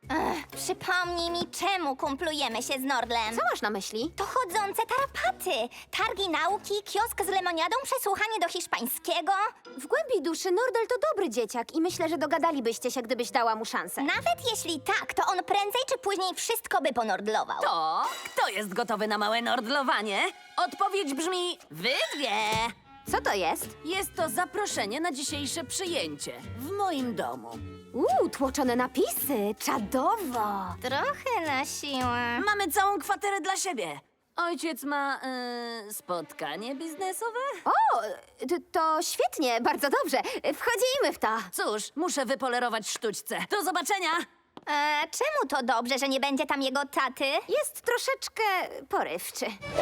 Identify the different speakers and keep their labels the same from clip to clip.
Speaker 1: Przypomnij mi, czemu kumplujemy się z Nordlem.
Speaker 2: Co masz na myśli?
Speaker 1: To chodzące tarapaty. Targi nauki, kiosk z lemoniadą, przesłuchanie do hiszpańskiego.
Speaker 2: W głębi duszy Nordel to dobry dzieciak i myślę, że dogadalibyście się, gdybyś dała mu szansę.
Speaker 1: Nawet jeśli tak, to on prędzej czy później wszystko by ponordlował.
Speaker 3: To kto jest gotowy na małe nordlowanie? Odpowiedź brzmi wy dwie.
Speaker 2: Co to jest?
Speaker 3: Jest to zaproszenie na dzisiejsze przyjęcie w moim domu.
Speaker 2: Tłoczone napisy. Czadowo.
Speaker 1: Trochę na siłę.
Speaker 3: Mamy całą kwaterę dla siebie. Ojciec ma spotkanie biznesowe?
Speaker 2: O, to świetnie, bardzo dobrze. Wchodzimy w to.
Speaker 3: Cóż, muszę wypolerować sztućce. Do zobaczenia!
Speaker 1: Czemu to dobrze, że nie będzie tam jego taty?
Speaker 2: Jest troszeczkę porywczy.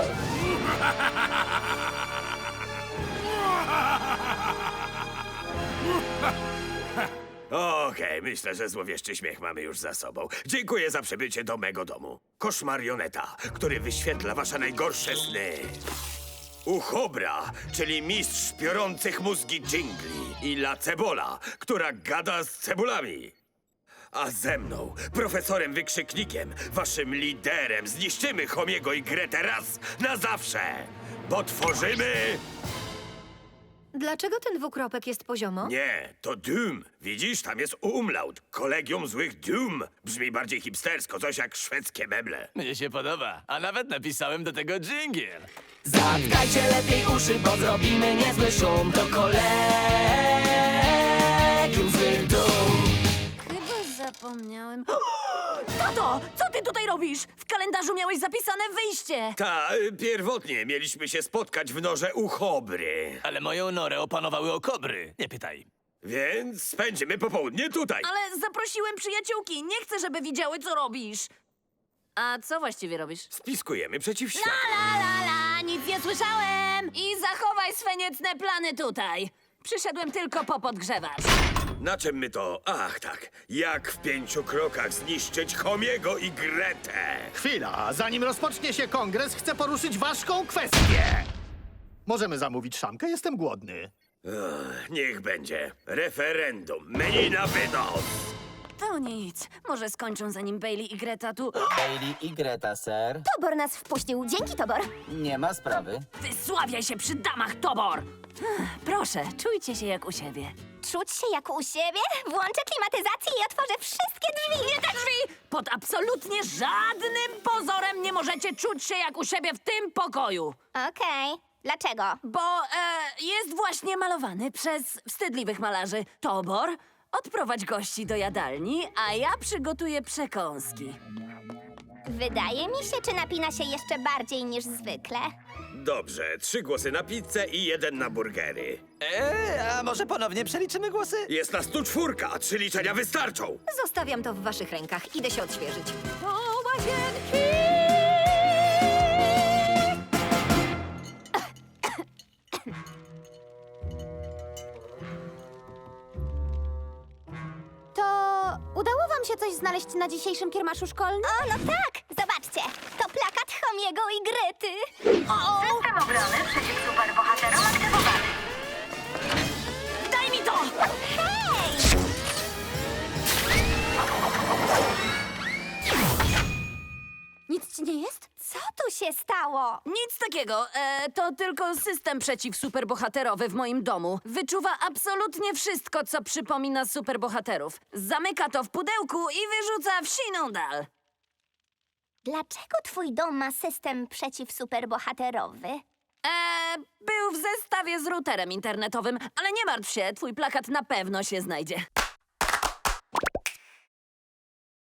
Speaker 4: Okej, myślę, że złowieszczy śmiech mamy już za sobą. Dziękuję za przybycie do mego domu. Kosz marioneta, który wyświetla wasze najgorsze sny. Uchobra, czyli mistrz piorących mózgi dżingli. I La Cebola, która gada z cebulami. A ze mną, profesorem Wykrzyknikiem, waszym liderem, zniszczymy Homiego i Gretę raz na zawsze. Bo tworzymy...
Speaker 5: Dlaczego ten dwukropek jest poziomo?
Speaker 4: Nie, to Doom. Widzisz, tam jest umlaut. Kolegium złych Doom. Brzmi bardziej hipstersko, coś jak szwedzkie meble.
Speaker 6: Mnie się podoba, a nawet napisałem do tego dżingiel.
Speaker 7: Zatkajcie lepiej uszy, bo zrobimy niezły szum. To kolegium złych dum.
Speaker 3: Chyba zapomniałem. Tato, co ty tutaj robisz? W kalendarzu miałeś zapisane wyjście.
Speaker 4: Pierwotnie mieliśmy się spotkać w norze Uchobry.
Speaker 6: Ale moją norę opanowały okobry. Nie pytaj.
Speaker 4: Więc spędzimy popołudnie tutaj.
Speaker 3: Ale zaprosiłem przyjaciółki. Nie chcę, żeby widziały, co robisz. A co właściwie robisz?
Speaker 4: Spiskujemy przeciw światu.
Speaker 3: La, nic nie słyszałem! I zachowaj swe niecne plany tutaj. Przyszedłem tylko popodgrzewać.
Speaker 4: Na czym my to... Ach, tak. Jak w 5 krokach zniszczyć Homiego i Gretę.
Speaker 8: Chwila, zanim rozpocznie się kongres, chcę poruszyć ważką kwestię. Możemy zamówić szamkę? Jestem głodny.
Speaker 4: Niech będzie. Referendum. Menu na wynos.
Speaker 3: To nic. Może skończą, zanim Bailey i Greta tu...
Speaker 7: Bailey i Greta, ser.
Speaker 2: Tobor nas wpuścił. Dzięki, Tobor.
Speaker 7: Nie ma sprawy.
Speaker 3: Wysławiaj się przy damach, Tobor! Proszę, czujcie się jak u siebie.
Speaker 1: Czuć się jak u siebie? Włączę klimatyzację i otworzę wszystkie drzwi.
Speaker 3: Nie te drzwi! Pod absolutnie żadnym pozorem nie możecie czuć się jak u siebie w tym pokoju.
Speaker 1: Okej. Dlaczego?
Speaker 3: Bo jest właśnie malowany przez wstydliwych malarzy. Tobor, odprowadź gości do jadalni, a ja przygotuję przekąski.
Speaker 1: Wydaje mi się, czy napina się jeszcze bardziej niż zwykle.
Speaker 4: Dobrze, 3 głosy na pizzę i 1 na burgery.
Speaker 6: A może ponownie przeliczymy głosy?
Speaker 4: Jest nas tu 4, a 3 liczenia wystarczą.
Speaker 5: Zostawiam to w waszych rękach. Idę się odświeżyć.
Speaker 3: Do łazienki!
Speaker 2: To udało wam się coś znaleźć na dzisiejszym kiermaszu szkolnym?
Speaker 1: O, no tak! Zobaczcie! To plakat Homiego i Grety.
Speaker 9: System obrony przeciw superbohaterom aktywowany.
Speaker 3: Daj mi to!
Speaker 1: Hej!
Speaker 2: Nic ci nie jest?
Speaker 1: Co tu się stało?
Speaker 3: Nic takiego. To tylko system przeciwsuperbohaterowy w moim domu. Wyczuwa absolutnie wszystko, co przypomina superbohaterów. Zamyka to w pudełku i wyrzuca w siną dal.
Speaker 1: Dlaczego twój dom ma system przeciwsuperbohaterowy?
Speaker 3: Był w zestawie z routerem internetowym, ale nie martw się, twój plakat na pewno się znajdzie.